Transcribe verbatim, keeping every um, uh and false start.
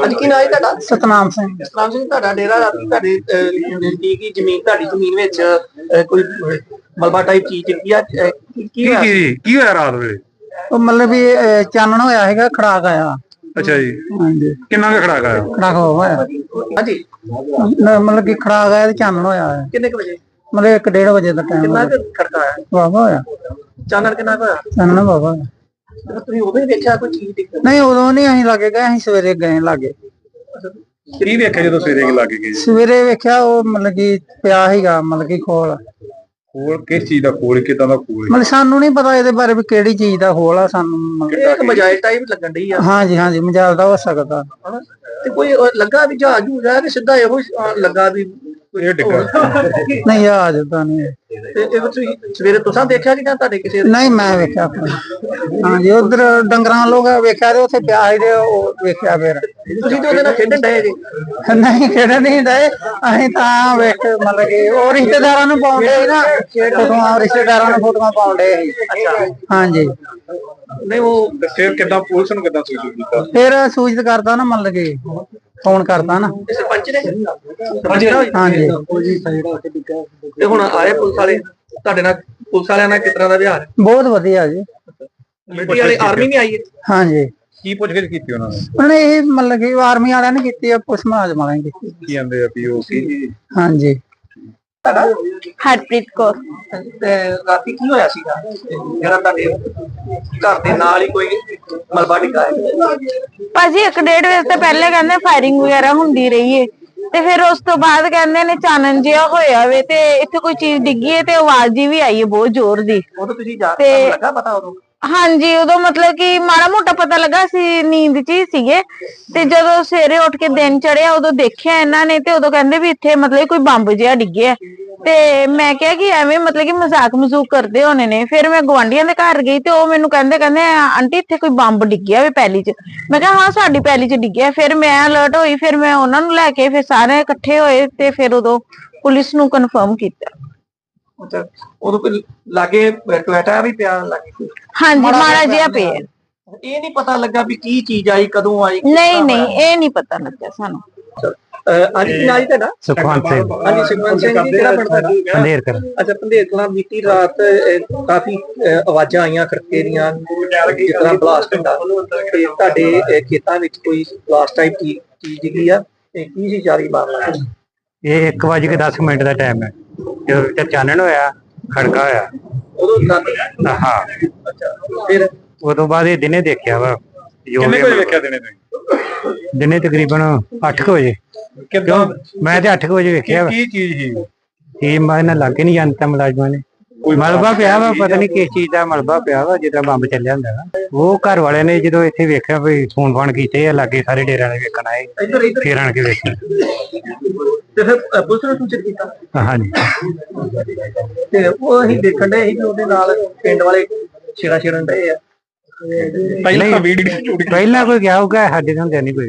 ਅੱਜ ਕੀ ਨਾਂ ਹੈ ਤੁਹਾਡਾ? ਸਤਨਾਮ ਸਿੰਘ। ਸਤਨਾਮ ਸਿੰਘ, ਤੁਹਾਡਾ ਡੇਰਾ ਰਾਤੀ ਤੁਹਾਡੇ ਨਜ਼ਦੀਕ ਹੀ ਜ਼ਮੀਨ, ਤੁਹਾਡੀ ਜ਼ਮੀਨ ਵਿੱਚ ਅਹ, ਕੋਈ ਅਹ, ਮਲਬਾ ਟਾਈਪ ਚੀਜ਼ ਡਿੱਗੀ ਆ, ਅਹ, ਕੀ ਕੀ ਹੋਇਆ? ਕੀ ਕੀ ਹੋਇਆ ਰਾਤ ਵੇਲੇ? ਉਹ ਮਤਲਬ ਵੀ ਅਹ, ਚਾਨਣ ਹੋਇਆ ਹੈਗਾ, ਖੜਾਕ ਆਇਆ। ਅੱਛਾ ਜੀ, ਹਾਂਜੀ, ਕਿੰਨਾ ਕੁ ਖੜਾਕ ਆਇਆ? ਖੜਾਕ ਹੋਇਆ ਹਾਂਜੀ, ਨ- ਮਤਲਬ ਕਿ ਖੜਾਕ ਆਇਆ ਤੇ ਚਾਨਣ ਹੋਇਆ ਹੈ। ਕਿੰਨੇ ਕੁ ਵਜੇ? ਮਤਲਬ ਇੱਕ ਡੇਢ ਵਜੇ ਦਾ ਟਾਈਮ ਕਿੰਨਾ ਕੁ ਖੜਕਾ ਆਇਆ? ਵਾਵਾ ਹੋਇਆ, ਚਾਨਣ ਕਿੰਨਾ ਕੁ ਹੋਇਆ? ਚਾਨਣ ਵਾਵਾ ਹੋਇਆ। ਜਦੋਂ ਤੁਸੀਂ ਉਦੋਂ ਹੀ ਵੇਖਿਆ ਕੋਈ ਚੀਜ਼ ਡਿੱਗ? ਨਹੀਂ, ਉਦੋਂ ਨਹੀਂ ਅਸੀਂ ਲਾਗੇ ਗਏ, ਅਸੀਂ ਸਵੇਰੇ ਗਏ ਲਾਗੇ। ਕੀ ਵੇਖਿਆ ਜਦੋਂ ਸਵੇਰੇ ਲੱਗ ਗਏ? ਸਵੇਰੇ ਵੇਖਿਆ ਉਹ ਮਤਲਬ ਕਿ ਪਿਆ ਸੀਗਾ, ਮਤਲਬ ਕਿ ਖੋਲ। ਖੋਲ ਕਿਸ ਚੀਜ਼ ਦਾ ਖੋਲ, ਕਿਦਾਂ ਦਾ ਖੋਲ? ਮਤਲਬ ਸਾਨੂੰ ਨਹੀਂ ਪਤਾ ਇਹਦੇ ਬਾਰੇ ਵੀ ਕਿਹੜੀ ਚੀਜ਼ ਦਾ ਖੋਲ ਆ, ਸਾਨੂੰ ਮਤਲਬ- ਇਹ ਇੱਕ ਮਜਾਇਲ ਟਾਈਪ ਲੱਗਣ ਡਈ ਆ। ਹਾਂਜੀ ਹਾਂਜੀ, ਮਜਾਲ ਦਾ ਹੋ ਸਕਦਾ। ਹਨਾ? ਤੇ ਕੋਈ ਉਹ ਲੱਗਾ ਵੀ ਜਹਾਜ਼ ਜੂਜ ਆ ਕਿ ਸਿੱਧਾ ਇਹੋ ਹੀ, ਅਹ, ਲੱਗਾ ਵੀ ਇਹ ਡਿੱਗਾ? ਨਹੀਂ, ਆ ਜਦਾ ਨਹੀਂ। ਤੇ ਇਹ ਤੁਸੀਂ ਸਵੇਰੇ ਤੁਸੀਂ ਦੇਖਿਆ ਕਿ ਜਾਂ ਤੁਹਾਡੇ ਕਿਸੇ ਦੇ? ਨਹੀਂ, ਮੈਂ ਵੇਖਿਆ ਫਿਰ। ਹਾਂਜੀ, ਉਧਰ ਡੰਗਰਾਂ ਲੋਕ ਵੇਖਿਆ ਤੇ ਉੱਥੇ ਪਿਆ ਸੀ ਤੇ ਉਹ ਵੇਖਿਆ ਫਿਰ। ਤੁਸੀਂ ਤੇ ਉਹਦੇ ਨਾਲ ਖੇਡਣ ਡਏ ਜੀ? ਨਹੀਂ, ਕਿਹੜੇ ਨਹੀਂ ਡਏ, ਅਸੀਂ ਤਾਂ ਵੇਖ ਮਤਲਬ ਕਿ ਉਹ ਰਿਸ਼ਤੇਦਾਰਾਂ ਨੂੰ ਪਾਉਂਦੇ ਸੀ ਨਾ ਫੋਟੋਆਂ, ਰਿਸ਼ਤੇਦਾਰਾਂ ਨੂੰ ਫੋਟੋਆਂ ਪਾਉਂਦੇ ਸੀ। ਹਾਂਜੀ, ਨਹੀਂ ਉਹ ਫਿਰ ਕਿਦਾਂ ਪੁਲਿਸ ਨੂੰ ਕਿਦਾਂ ਸੂਚਿਤ ਕੀਤਾ? ਫਿਰ ਸੂਚਿਤ ਕਰਤਾ ਨਾ, ਮਤਲਬ ਕਿ ਫੋਨ ਕਰਤਾ ਨਾ। ਇਹ ਸਰਪੰਚ ਨੇ? ਸਰਪੰਚ ਨੇ? ਹਾਂਜੀ, ਤੇ ਹੁਣ ਆਏ ਪੁਲਿਸ ਵਾਲੇ ਤੁਹਾਡੇ ਨਾਲ? ਪੁਲਿਸ ਵਾਲਿਆਂ ਨਾਲ ਕਿਸ ਤਰ੍ਹਾਂ ਦਾ ਵਿਹਾਰ? ਬਹੁਤ ਵਧੀਆ ਜੀ। ਮਿਲਟਰੀ ਵਾਲੇ, ਆਰਮੀ ਵੀ ਆਈ ਹੈ? ਹਾਂਜੀ, ਕੀ ਪੁੱਛਗਿੱਛ ਕੀਤੀ ਉਹਨਾਂ ਨੇ? ਉਹਨੇ ਇਹ ਮਤਲਬ ਕਿ ਆਰਮੀ ਵਾਲਿਆਂ ਨੇ ਕੀਤੀ ਆ, ਪੁਲਿਸ ਮੁਲਾਜ਼ਮ ਵਾਲਿਆਂ ਨੇ ਕੀਤੀ। ਕੀ ਕਹਿੰਦੇ ਆ ਵੀ ਉਹ ਕੀ? ਹਾਂਜੀ, ਹਰਪ੍ਰੀਤ ਕੌਰ। ਤੇ ਰਾਤੀ ਕੀ ਹੋਇਆ ਸੀਗਾ ਜਿਹੜਾ ਤੁਹਾਡੇ ਘਰ ਦੇ ਨਾਲ ਹੀ ਕੋਈ ਮਲਬਾ ਡਿੱਗਾ ਹੈ? ਭਾਜੀ ਇੱਕ ਡੇਢ ਵਜੇ ਤੋਂ ਪਹਿਲੇ ਕਹਿੰਦੇ ਫਾਇਰਿੰਗ ਵਗੈਰਾ ਹੁੰਦੀ ਰਹੀ ਏ, ਤੇ ਫਿਰ ਉਸ ਤੋਂ ਬਾਅਦ ਕਹਿੰਦੇ ਨੇ ਚਾਨਣ ਜਿਹਾ ਹੋਇਆ ਵੇ ਤੇ ਇੱਥੇ ਕੋਈ ਚੀਜ਼ ਡਿੱਗੀ ਏ ਤੇ ਆਵਾਜ਼ ਜੀ ਵੀ ਆਈ ਏ ਬਹੁਤ ਜ਼ੋਰ ਦੀ। ਉਦੋਂ ਤੁਸੀਂ ਜਾ ਤੇ- ਤੁਹਾਨੂੰ ਲੱਗਾ ਪਤਾ ਉਦੋਂ? ਹਾਂਜੀ, ਉਦੋਂ ਮਤਲਬ ਕਿ ਮਾੜਾ ਮੋਟਾ ਪਤਾ ਲੱਗਾ ਸੀ, ਨੀਂਦ ਚ ਹੀ ਸੀਗੇ। ਤੇ ਜਦੋਂ ਸਵੇਰੇ ਉੱਠ ਕੇ ਦਿਨ ਚੜਿਆ ਉਦੋਂ ਦੇਖਿਆ ਇਹਨਾਂ ਨੇ, ਤੇ ਉਦੋਂ ਕਹਿੰਦੇ ਵੀ ਇੱਥੇ ਮਤਲਬ ਕੋਈ ਬੰਬ ਜਿਹਾ ਡਿੱਗਿਆ। ਤੇ ਮੈਂ ਕਿਹਾ ਕਿ ਐਵੇਂ ਮਤਲਬ ਕਿ ਮਜ਼ਾਕ ਮਜ਼ੂਕ ਕਰਦੇ ਹੋਣੇ ਨੇ। ਫਿਰ ਮੈਂ ਗਵਾਂਢੀਆਂ ਦੇ ਘਰ ਗਈ ਤੇ ਉਹ ਮੈਨੂੰ ਕਹਿੰਦੇ ਕਹਿੰਦੇ ਆਂਟੀ ਇੱਥੇ ਕੋਈ ਬੰਬ ਡਿੱਗਿਆ ਵੇ ਪੈਲੀ ਚ। ਮੈਂ ਕਿਹਾ ਹਾਂ, ਸਾਡੀ ਪੈਲੀ ਚ ਡਿੱਗਿਆ। ਫਿਰ ਮੈਂ ਅਲਰਟ ਹੋਈ, ਫਿਰ ਮੈਂ ਉਹਨਾਂ ਨੂੰ ਲੈ ਕੇ ਫਿਰ ਸਾਰੇ ਇਕੱਠੇ ਹੋਏ ਤੇ ਫਿਰ ਉਦੋਂ ਪੁਲਿਸ ਨੂੰ ਕਨਫਰਮ ਕੀਤਾ। ਅੱਛਾ, ਉਦੋਂ ਕੋਈ ਲਾਗੇ ਟੋਇਟਾ ਵੀ ਪਿਆ ਲਾਗੇ? ਹਾਂਜੀ, ਮਾੜਾ ਜਿਹਾ ਪਿਆ। ਇਹ ਨਹੀਂ ਪਤਾ ਲੱਗਾ ਵੀ ਕੀ ਚੀਜ਼ ਆਈ, ਕਦੋਂ ਆਈ? ਨਹੀਂ ਨਹੀਂ, ਇਹ ਨਹੀਂ ਪਤਾ ਲੱਗਿਆ ਸਾਨੂੰ। ਅੱਜ ਕੀ ਨਾਂ ਜੀ ਤੁਹਾਡਾ? ਸੁਖਵੰਤ ਸਿੰਘ। ਹਾਂਜੀ, ਸੁਖਵੰਤ ਸਿੰਘ ਜੀ, ਕਿਹੜਾ ਪਿੰਡ ਤੁਹਾਡਾ? ਪੰਧੇਰ ਕਰ। ਅੱਛਾ, ਪੰਧੇਰ ਕਲਾਂ। ਬੀਤੀ ਰਾਤ ਅਹ, ਕਾਫੀ ਅਹ, ਆਵਾਜ਼ਾਂ ਆਈਆਂ ਖੜਕੇ ਦੀਆਂ, ਜਿਸ ਤਰ੍ਹਾਂ ਬਲਾਸਟ ਹੁੰਦਾ। ਤੇ ਤੁਹਾਡੇ ਅਹ, ਖੇਤਾਂ ਵਿੱਚ ਕੋਈ ਬਲਾਸਟ ਟਾਈਪ ਚੀਜ਼ ਚੀਜ਼ ਡਿੱਗੀ ਆ, ਤੇ ਕੀ ਸੀ ਸਾਰੀ ਮਾਮਲਾ? ਇਹ ਇੱਕ ਵਜੇ ਕੇ ਦਸ ਮਿੰਟ ਦਾ ਟਾਈਮ ਹੈ ਜਦੋਂ ਵਿੱਚ ਚਾਨਣ ਹੋਇਆ, ਖੜਕਾ ਹੋਇਆ। ਉਦੋਂ ਰਾਤੀ? ਹਾਂ, ਅੱਛਾ, ਫਿਰ ਉਦੋਂ ਬਾਅਦ ਇਹ ਦਿਨੇ ਦੇਖਿਆ ਵਾ। ਜੋ ਕਿੰਨੇ ਵੀ ਕੋਈ ਵੇਖਿਆ ਦਿਨੇ ਤੁਸੀਂ? ਦਿਨੇ ਤਕਰੀਬਨ ਅੱਠ ਕੁ ਵਜੇ। ਕਿਦਾਂ? ਮੈਂ ਤੇ ਅੱਠ ਕੁ ਵਜੇ ਵੇਖਿਆ ਵਾ। ਕੀ ਚੀਜ਼ ਸੀ? ਇਹ ਮੈਂ ਨਾ ਲੱਗੇ ਨਹੀਂ ਜਾਂਦਾ ਮੁਲਾਜ਼ਮਾਂ ਨੇ। ਮਲਬਾ ਪਿਆ ਵਾ, ਪਤਾ ਨਹੀਂ ਕਿਸ ਚੀਜ਼ ਦਾ ਮਲਬਾ ਪਿਆ ਵਾ, ਜਿੱਦਾਂ ਬੰਬ ਚੱਲਿਆ ਹੁੰਦਾ ਵਾ। ਉਹ ਘਰ ਵਾਲਿਆਂ ਨੇ ਜਦੋਂ ਇੱਥੇ ਵੇਖਿਆ ਵੀ ਫੋਨ ਫਾਨ ਕੀਤੇ ਆ, ਲਾਗੇ ਸਾਰੇ ਡੇਰਿਆਂ ਦੇ ਵੇਖਣ ਆਏ, ਇੱਧਰ ਇੱਧਰ ਫੇਰ ਆਣ ਕੇ ਵੇਖਿਆ। ਤੇ ਫਿਰ ਅਹ, ਪੁਲਿਸ ਨੂੰ ਸੂਚਿਤ ਕੀਤਾ? ਹਾਂਜੀ, ਤੇ ਉਹ ਅਸੀਂ ਦੇਖਣ ਡਏ ਸੀ ਕਿ ਉਹਦੇ ਨਾਲ ਪਿੰਡ ਵਾਲੇ ਛੇੜਾ ਛੇੜਨ ਡਏ ਆ। ਪਹਿਲਾਂ ਵੀਡੀਓ ਪਹਿਲਾਂ ਕੋਈ ਗਿਆ ਹੋਊਗਾ, ਸਾਡੇ ਹੁੰਦੇ ਨਹੀਂ ਕੋਈ।